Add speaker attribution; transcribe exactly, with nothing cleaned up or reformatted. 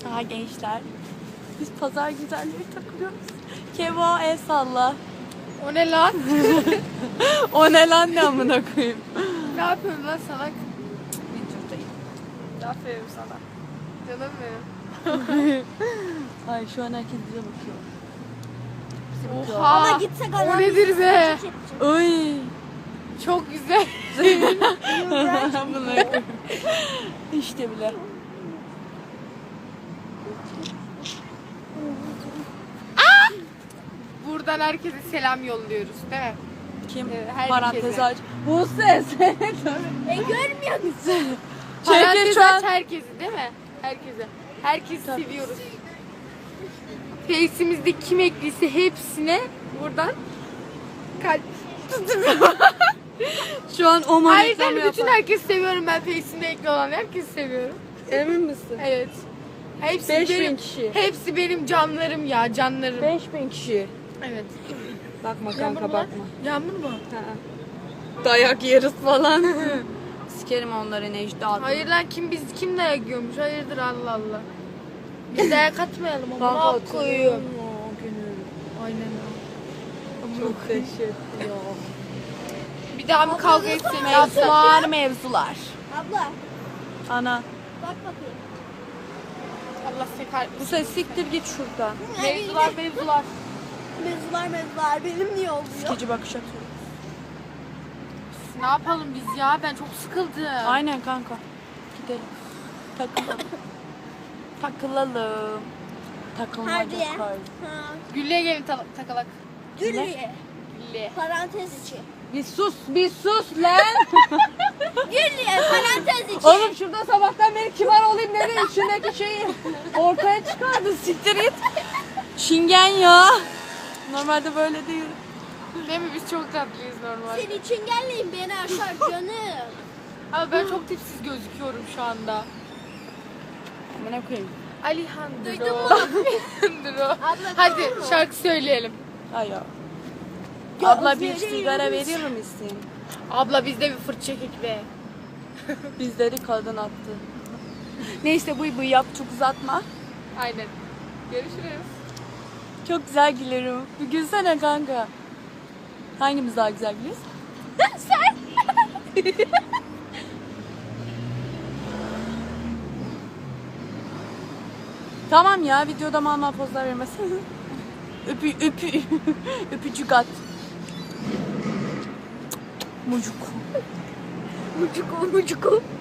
Speaker 1: Aha gençler. Biz pazar güzelleri takılıyoruz. Kevo el salla.
Speaker 2: O ne lan?
Speaker 1: O ne lan ne amına koyayım.
Speaker 2: Ne yapıyorsun lan salak?
Speaker 1: Videodayım.
Speaker 2: Aferin sana. Canım benim.
Speaker 1: Ay şu an herkes bize bakıyor. Bizi
Speaker 2: Oha.
Speaker 3: Ama gitsek
Speaker 2: O
Speaker 3: adam
Speaker 2: nedir be?
Speaker 1: Oy.
Speaker 2: Çok güzel.
Speaker 1: Amına koyayım. İşte bile.
Speaker 2: Buradan herkese selam yolluyoruz değil mi?
Speaker 1: Kim?
Speaker 2: Evet, herkese.
Speaker 1: Parantez aç. Bu ses.
Speaker 3: E görmüyor musun?
Speaker 1: Çekil
Speaker 2: Parantez
Speaker 1: şu an.
Speaker 2: aç herkesi değil mi? Herkese. Herkesi
Speaker 1: Tabii.
Speaker 2: seviyoruz. Face'imizde kim ekliyse hepsine buradan kalp
Speaker 1: Şu an o
Speaker 2: Ayrıca
Speaker 1: reklamı
Speaker 2: bütün
Speaker 1: yapan.
Speaker 2: herkesi seviyorum ben Face'imde ekli olan herkesi seviyorum.
Speaker 1: Emin misin?
Speaker 2: Evet. Hepsi
Speaker 1: Beş bin
Speaker 2: benim,
Speaker 1: kişi.
Speaker 2: Hepsi benim canlarım ya canlarım.
Speaker 1: beş bin kişi.
Speaker 2: Evet.
Speaker 1: Bakma
Speaker 2: Yağmur
Speaker 1: kanka
Speaker 2: mu?
Speaker 1: bakma.
Speaker 2: Yağmur mu?
Speaker 1: Dayak yeriz falan. Sikerim onları Necda.
Speaker 2: Hayır lan kim biz kim dayak yiyormuş? Hayırdır Allah Allah. Biz dayak atmayalım ama
Speaker 1: Kanka
Speaker 2: ne
Speaker 1: hatırlıyorum
Speaker 2: koyuyorum.
Speaker 1: o günü.
Speaker 2: Aynen öyle.
Speaker 1: Çok dehşet ya.
Speaker 2: Bir daha mı kavga etsek?
Speaker 1: Mevzular mevzular.
Speaker 3: Abla
Speaker 1: Ana.
Speaker 3: bak bakayım.
Speaker 2: Allah sekar.
Speaker 1: Bu ses siktir git şuradan.
Speaker 2: Mevzular mevzular.
Speaker 3: Mevzular mevzular benim niye oluyor?
Speaker 1: Sikici bakış atıyor.
Speaker 2: Ne yapalım biz ya? Ben çok sıkıldım.
Speaker 1: Aynen kanka. Gidelim. Takılalım. Takılalım. Takılmaca
Speaker 3: Hadi.
Speaker 1: kar.
Speaker 3: Ha.
Speaker 2: Güllü'ye gelin ta- takalak.
Speaker 3: Güllü'ye.
Speaker 2: Güllü'ye.
Speaker 3: Parantez içi.
Speaker 1: Bir sus, bir sus lan.
Speaker 3: Güllü'ye parantez içi.
Speaker 1: Oğlum şurada sabahtan beri kibar olayım dedi. İçindeki şeyi ortaya çıkardı. Siktir git. Şingen ya. Normalde böyle değil.
Speaker 2: Değil mi? Biz çok tatlıyız normal.
Speaker 3: Seni çengelleyin beni aşar canım.
Speaker 2: Ama ben çok tipsiz gözüküyorum şu anda.
Speaker 1: Amına koyayım.
Speaker 2: Alejandro.
Speaker 3: Duydun mu?
Speaker 2: Alejandro.
Speaker 3: Abla,
Speaker 2: Hadi
Speaker 3: duydun mu?
Speaker 2: şarkı söyleyelim.
Speaker 1: Ay ya.
Speaker 3: Ya,
Speaker 1: Abla bir
Speaker 3: veriyoruz.
Speaker 1: sigara verir misin?
Speaker 2: Abla bizde bir fırt çekik be.
Speaker 1: Bizleri kadın attı. Neyse bu bu yap çok uzatma.
Speaker 2: Aynen. Görüşürüz.
Speaker 1: Çok güzel gülerim. Bir gülsene kanka. Hangimiz daha güzel gülüyoruz? Sen. Tamam ya videoda mal mal pozlar vermesin. Öpü öpü öpücük at. Mucuk.
Speaker 3: Mucuku mucuku.